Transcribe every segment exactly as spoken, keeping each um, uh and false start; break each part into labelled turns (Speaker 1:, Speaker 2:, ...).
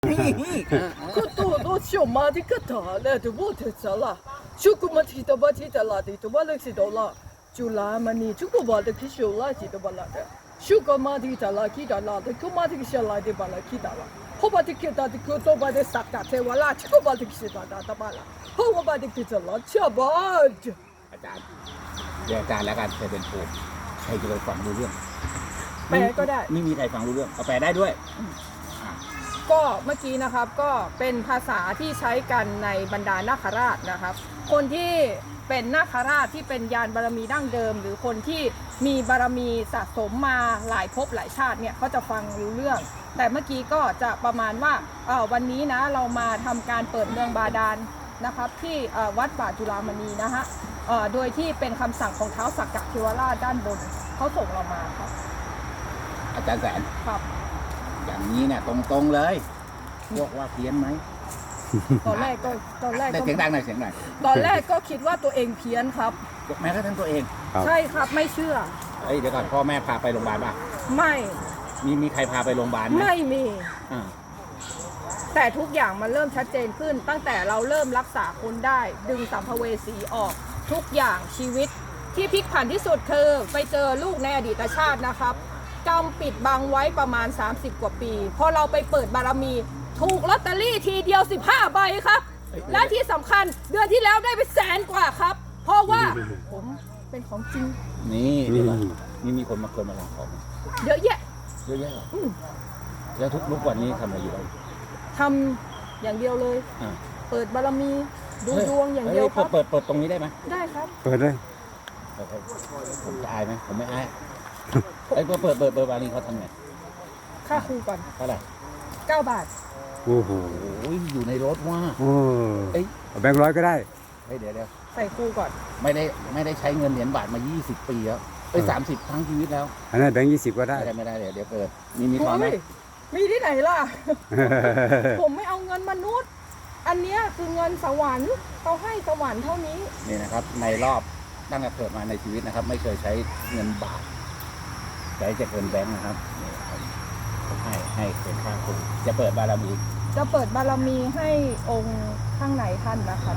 Speaker 1: 그것도 좀 많이 같아. 나도 못했잖아. 조금만 기다봐 기다라도 또 말했지도라. 줄라마니 주고 봐도 기쇼라지도 말라다. 슈가마디 달라 기다라도 그마디 기쇼라도 말라 기다라. 호바디 기다도 그것도 봐도 싹다 태워라. 주고 봐도 기쇼라다 말라. 호바디 기다라 쳐봐.
Speaker 2: อาจารย์เดี๋ยวอาจารย์แล้วกันเคยเป็นครูใครจะไปฟังรู้เรื่อง
Speaker 1: แปลก็ได้
Speaker 2: ไม่มีใครฟังรู้เรื่องเอาแปลได้ด้วย
Speaker 1: ก็เมื่อกี้นะครับก็เป็นภาษาที่ใช้กันในบรรดานาคราชนะครับคนที่เป็นนาคราชที่เป็นยานบารมีดั้งเดิมหรือคนที่มีบารมีสะสมมาหลายภพหลายชาติเนี่ยเขาจะฟังรู้เรื่องแต่เมื่อกี้ก็จะประมาณว่าวันนี้นะเรามาทำการเปิดเมืองบาดาลนะครับที่วัดป่าจุฬามณีนะฮะโดยที่เป็นคำสั่งของท้าวสักกะเทวราชด้านบนเขาส่งเรามาครับ
Speaker 2: อาจารย์แสน
Speaker 1: ครับ
Speaker 2: อย่างนี้เนี่ยตรงๆเลยพวกว่าเพี้ยนไหม
Speaker 1: ตอนแรกก็ตอนแรกก็
Speaker 2: เสียงดังหน่อยเสียงหน่อย
Speaker 1: ตอนแรกก็คิดว่าตัวเองเพี้ยนครับ
Speaker 2: แม้กระทั่งตัวเอง
Speaker 1: ใช่ครับไม่เชื่อ
Speaker 2: เฮ้ยเดี๋ยวก่อนพ่อแม่พาไปโรงพยาบาลป่ะ
Speaker 1: ไม่
Speaker 2: มีมีใครพาไปโรงพยาบาลไหม
Speaker 1: ไม่มีแต่ทุกอย่างมันเริ่มชัดเจนขึ้นตั้งแต่เราเริ่มรักษาคนได้ดึงสัมภเวสีออกทุกอย่างชีวิตที่พลิกผันที่สุดคือไปเจอลูกในอดีตชาตินะครับกรรมปิดบังไว้ประมาณสามสิบกว่าปีพอเราไปเปิดบารมีถูกลอตเตอรี่ทีเดียวสิบห้าใบครับและที่สำคัญเดือนที่แล้วได้ไปแสนกว่าครับเพราะว่าผมเป็นของจริง
Speaker 2: นี่นี่มีคนมาคนมาลาของ
Speaker 1: เยอะแยะ
Speaker 2: เยอะแยะแล้วทุกทุกวันนี้ทำอะไรอยู่
Speaker 1: ทำอย่างเดียวเลยเปิดบารมีดูดวงอย่างเดียวครับ
Speaker 2: เปิดเปิดตรงนี้ได้ไหม
Speaker 1: ได้ครับ
Speaker 3: เปิดเลย
Speaker 2: ผมจะอายไหมผมไม่อายไอ้พอเปิดเปิดเปิดบาลีเขาทำไง
Speaker 1: ค่าครูก่อน
Speaker 2: เท่าไหร่
Speaker 1: เก้าบาท
Speaker 3: โอ้โห
Speaker 2: อยู่ในรถว่า
Speaker 3: โอ้เอ้ยแบงค์ร้อยก็ได้
Speaker 2: เฮ้ยเดี๋ยวเดี๋ยว
Speaker 1: ใส่ครูก่อน
Speaker 2: ไม่ได้ไม่ได้ใช้เงินเหรียญบาทมายี่สิบปีแล้วเอ้ยสามสิบทั้งชีวิตแล้ว
Speaker 3: อันนั้นแบงค์ยี่สิบก็ได้
Speaker 2: ไม่ได้ไม่ได้เดี๋ยวเดี๋ยวเปิดมีมีทอนไหม
Speaker 1: มีที่ไหนล่ะ ผมไม่เอาเงินมนุษย์อันนี้คือเงินสวรรค์เขาให้สวรรค์เท่านี้
Speaker 2: นี่นะครับในรอบตั้งแต่เกิดมาในชีวิตนะครับไม่เคยใช้เงินบาทใช้จะเงินแบงค์นะครับให้ให้เป็นค่าครูจะเปิดบารมี
Speaker 1: จะเปิดบารมีให้องค์ข้างในท่านนะครับ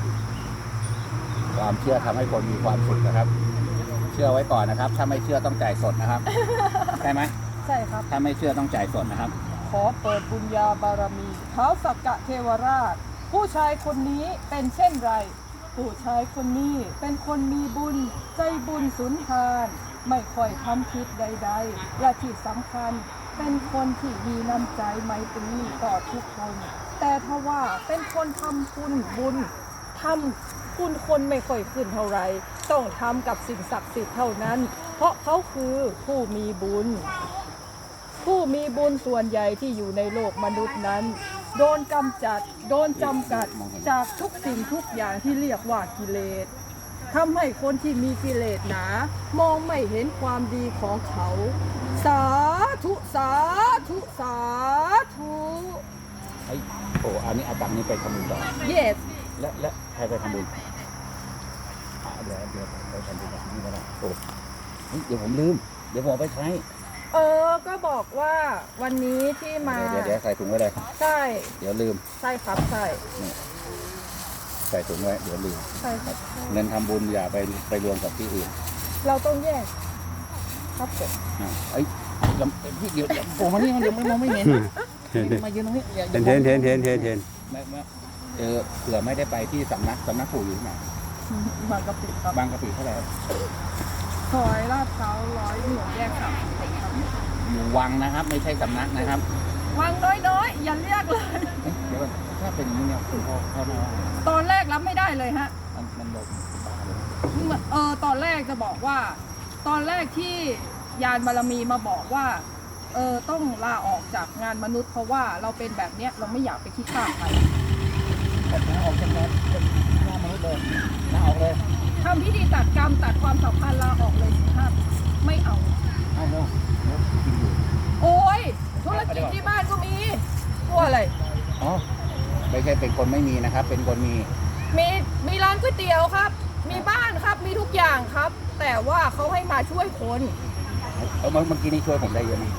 Speaker 2: ความเชื่อทำให้คนมีความสุขนะครับเชื่อไว้ก่อนนะครับถ้าไม่เชื่อต้องจ่ายสดนะครับใช่ไหม
Speaker 1: ใช่ครับ
Speaker 2: ถ้าไม่เชื่อต้องจ่ายสดนะครับ
Speaker 1: ขอเปิดบุญญาบารมีท้าวสักกะเทวราชผู้ชายคนนี้เป็นเช่นไรผู้ชายคนนี้เป็นคนมีบุญใจบุญสุนทานไม่ค่อยทำผิดใดๆและที่สำคัญเป็นคนที่มีน้ำใจไมตรีต่อทุกคนแต่ถ้าว่าเป็นคนทำบุญบุญทำคุณคนไม่ค่อยขึ้นเท่าไรต้องทำกับสิ่งศักดิ์สิทธิ์เท่านั้นเพราะเขาคือผู้มีบุญผู้มีบุญส่วนใหญ่ที่อยู่ในโลกมนุษย์นั้นโดนกำจัดโดนจำกัดจากทุกสิ่งทุกอย่างที่เรียกว่ากิเลสทำให้คนที่มีกิเลสหนามองไม่เห็นความดีของเขาสาธุสาธุสาธุ
Speaker 2: ไอ้โอ้อันนี้อาตังนี้ไปทำบุญต่อ
Speaker 1: yes
Speaker 2: และและใครไปทำบุญเดี๋ยวเดี๋ยวไปทำบุญกับนี่ก็ได้โอ้เดี๋ยวผมลืมเดี๋ยวผมไปใช้
Speaker 1: เออก็บอกว่าวันนี้ที่มา
Speaker 2: เดี๋ยวเดี๋ยวใส่ถุงไว้เลย
Speaker 1: ใช่
Speaker 2: เดี๋ยวลืม
Speaker 1: ใช่ครับใช่
Speaker 2: ใส่ถุงไว้เดี๋ยวลืม
Speaker 1: ใช่ครับ
Speaker 2: เงินทำบุญอย่าไปไปรวมกับที่อื่น
Speaker 1: เราต้องแยกครับผม
Speaker 2: ไอ้พี่เดี๋ยวผมมานี่มันเดี๋ยวไม่มองไม่เห็นมายืนตรงนี้
Speaker 3: เห็นเห็นเห็นเห็นเห็นเห็น
Speaker 2: เออเผื่อไม่ได้ไปที่สำนักสำนักปู่อยู่ไหน
Speaker 1: บางกะปิครับ
Speaker 2: บางกะปิเท่าไหร่
Speaker 1: ซอยลาดพร้าวร้อยหนึ่งแยกสาม
Speaker 2: อยู่วังนะครับไม่ใช่สำนักนะครับ
Speaker 1: วังน้อยๆอย่าเรียกเลย
Speaker 2: เดี๋ยวถ้าเป็นอย่างนี้เนี่ยคุณพ่อพ่อแม่ว่า
Speaker 1: ตอนแรกรับไม่ได้เลยฮะ
Speaker 2: มันมันบอก
Speaker 1: เออตอนแรกจะบอกว่าตอนแรกที่ยานบารมีมาบอกว่าเออต้องลาออกจากงานมนุษย์เพราะว่าเราเป็นแบบเนี้ยเราไม่อยากไปคิดฆ่าใคร
Speaker 2: แต่ลาออกจากงานงานมนุษย์เลยลาออกเลย
Speaker 1: ทำพิธีตัดกรรมตัดความสัมพันธ์ลาออกเลยสิครับไม่เอา
Speaker 2: เอาเนาะ
Speaker 1: โอ้ยธุรกิจที่บ้านก็มีกลัวอะไร
Speaker 2: อ๋อไม่ใช่เป็นคนไม่มีนะครับเป็นคนมี
Speaker 1: มีมีร้านก๋วยเตี๋ยวครับมีบ้านครับมีทุกอย่างครับแต่ว่าเขาให้มาช่วยคน
Speaker 2: เออเมื่อกี้นี้ช่วยผมได้เยอะไหม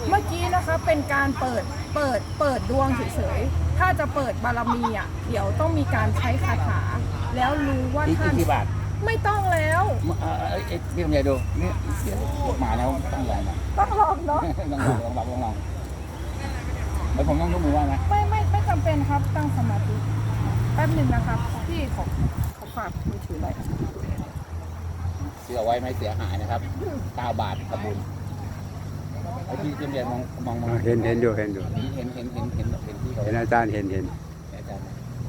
Speaker 1: เมื่อกี้นะคะเป็นการเปิดเปิดเปิดดวงเฉยๆถ้าจะเปิดบารมีอ่ะเดี๋ยวต้องมีการใช้คาถา แล้วรู้ว่า
Speaker 2: อีก
Speaker 1: ท่าน
Speaker 2: กี่บาท
Speaker 1: ไม่ต้องแล้ว
Speaker 2: เอ่อเอ้ยเอ้ยพี่ลำไยดูนี่เสียงหมาแล้วต้องลองนะ
Speaker 1: ต้องลองเนาะ
Speaker 2: ต้องลองลองลองลองลองแล้วผมต้องยกมือไหว้ไหม
Speaker 1: ไม่ไม่ไม่จำเป็นครับตั้งสมาธิแป๊บหนึ่งนะครับพี่ขอขอฝากมือถือหน่อย
Speaker 2: เสียไว้ไม่เสียหายนะครับเก้าบาททำบุญไอ้พี่ลำไยมองมองมอง
Speaker 3: เห็นเห็นอยู่เห็นอยู่
Speaker 2: เห็นเห็นเห็นเห็นเห็นที่เขา
Speaker 3: เห็นอาจารย์เห็นเห็น
Speaker 2: อาจารย์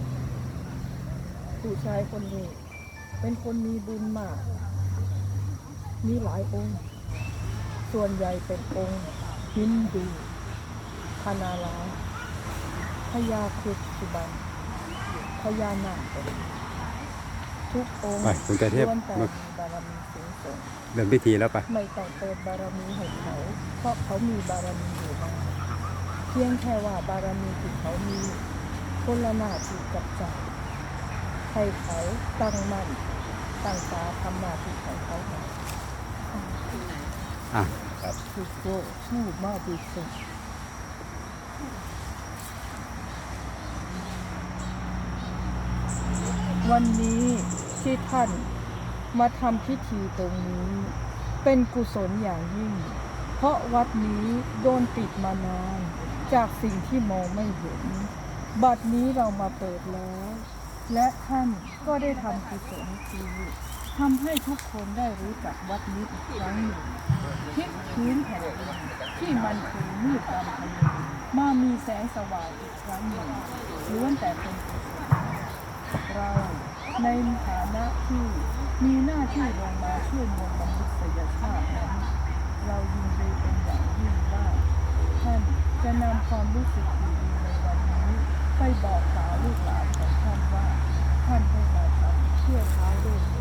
Speaker 1: ผู้ชายคนนี้ เป็นคนมีบุญมาก มีหลายองค์ ส่วนใหญ่เป็นองค์ฮินดูพานาลาพญาครุฑสุบันพญานาคทุกองค์
Speaker 3: ไปคุณเทพ
Speaker 1: ล้วนแต่
Speaker 3: มา
Speaker 1: มีบารมีสูงส่ง
Speaker 3: เริ่มพิธีแล้วปะ
Speaker 1: ไม่ต้องเปิดบารมีให้เขา เพราะเขามีบารมีอยู่แล้วเพียงแค่ว่าบารมีที่เขามีคนละหน้าที่กับใจให้เขาตั้งมั่นตั้งตาทำหน้าที่ของเขาหน่อย
Speaker 3: อ่ะ
Speaker 2: ครับ
Speaker 1: คือโก้ผู้มาดีสุดวันนี้ที่ท่านมาทำพิธีตรงนี้ เป็นกุศลอย่างยิ่ง เพราะวัดนี้โดนปิดมานาน จากสิ่งที่มองไม่เห็น บัดนี้เรามาเปิดแล้ว และท่านก็ได้ทำกุศลคือทำให้ทุกคนได้รู้จักวัดนี้อีกครั้งหนึ่งพลิกพื้นแผ่นดินที่มันเคยมืดดำทะเลมามีแสงสว่างอีกครั้งหนึ่งล้วนแต่เป็นกุศลเราในฐานะที่มีหน้าที่ลงมาช่วยมวลมนุษยชาตินั้นเรายินดีเป็นอย่างยิ่งว่าท่านจะนำความรู้สึกดีๆในวันนี้ไปบอกสาวลูกหลานของท่านว่าท่านได้มาทำเพื่อท้ายโลกนี้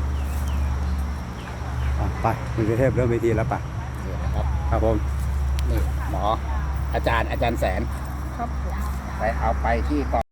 Speaker 3: อ่ะไปคุณเทพเริ่มพิธีแล้วปะ
Speaker 2: นี่นะครับ
Speaker 3: ครับผม
Speaker 2: นี่หมออาจารย์อาจารย์แสน
Speaker 1: ครับผม
Speaker 2: ไปเอาไปที่กอง